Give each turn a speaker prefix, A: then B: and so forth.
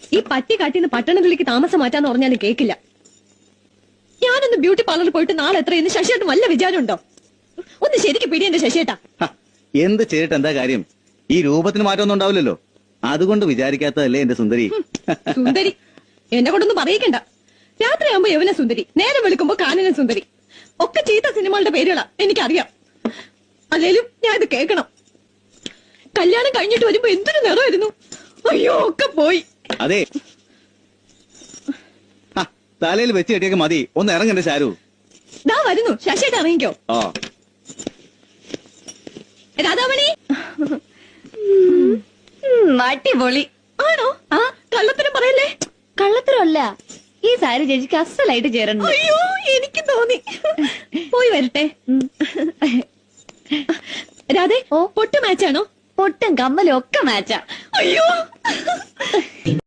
A: ഈ പട്ടി കാട്ടിന്ന് പട്ടണത്തിലേക്ക് താമസം മാറ്റാന്ന് പറഞ്ഞാലും കേക്കില്ല. ഞാനൊന്ന് ബ്യൂട്ടി പാർലറിൽ പോയിട്ട് നാളെ എത്രയെന്ന് ശശിയേട്ടൻ വല്ല വിചാരമുണ്ടോ? ഒന്ന് ശരിക്ക് പിടി എന്റെ ശശിയേട്ടാ.
B: എന്ത് ചെയ്തിട്ട് എന്താ കാര്യം? ഈ രൂപത്തിന് മാറ്റമൊന്നും ഉണ്ടാവില്ലല്ലോ. അതുകൊണ്ട് വിചാരിക്കാത്തതല്ലേ എന്റെ സുന്ദരി.
A: സുന്ദരി എന്നെ കൊണ്ടൊന്നും പറയിക്കണ്ട. രാത്രിയാകുമ്പോ യവന സുന്ദരി, നേരം വെളുക്കുമ്പോ കാനന സുന്ദരി, ഒക്കെ ചീത്ത സിനിമകളുടെ പേരുകളാ എനിക്കറിയാം. അല്ലേലും ഞാൻ ഇത് കേൾക്കണം. കല്യാണം കഴിഞ്ഞിട്ട് വരുമ്പോ എന്തൊരു നിറമായിരുന്നു. അയ്യോ ഒക്കെ പോയി.
B: അതെ, തലയിൽ വെച്ച് കെട്ടിയൊക്കെ മതി. ഒന്ന് ഇറങ്ങണ്ടേ ശാരു?
A: ദാ വരുന്നു. ശശിയേട്ട ഇറങ്ങിക്കോ. രാധാമണി.
C: അടിപൊളി
A: ആണോ? ആ കള്ളത്തരം പറയല്ലേ.
C: കള്ളത്തരമല്ല, ഈ സാരി ചേച്ചിക്ക് അസലായിട്ട് ചേരണം.
A: അയ്യോ എനിക്ക് തോന്നി. പോയി വരട്ടെ. രാധേ, പൊട്ട് മാച്ചാണോ?
C: പൊട്ടും കമ്മലും ഒക്കെ മാച്ചാ.
A: അയ്യോ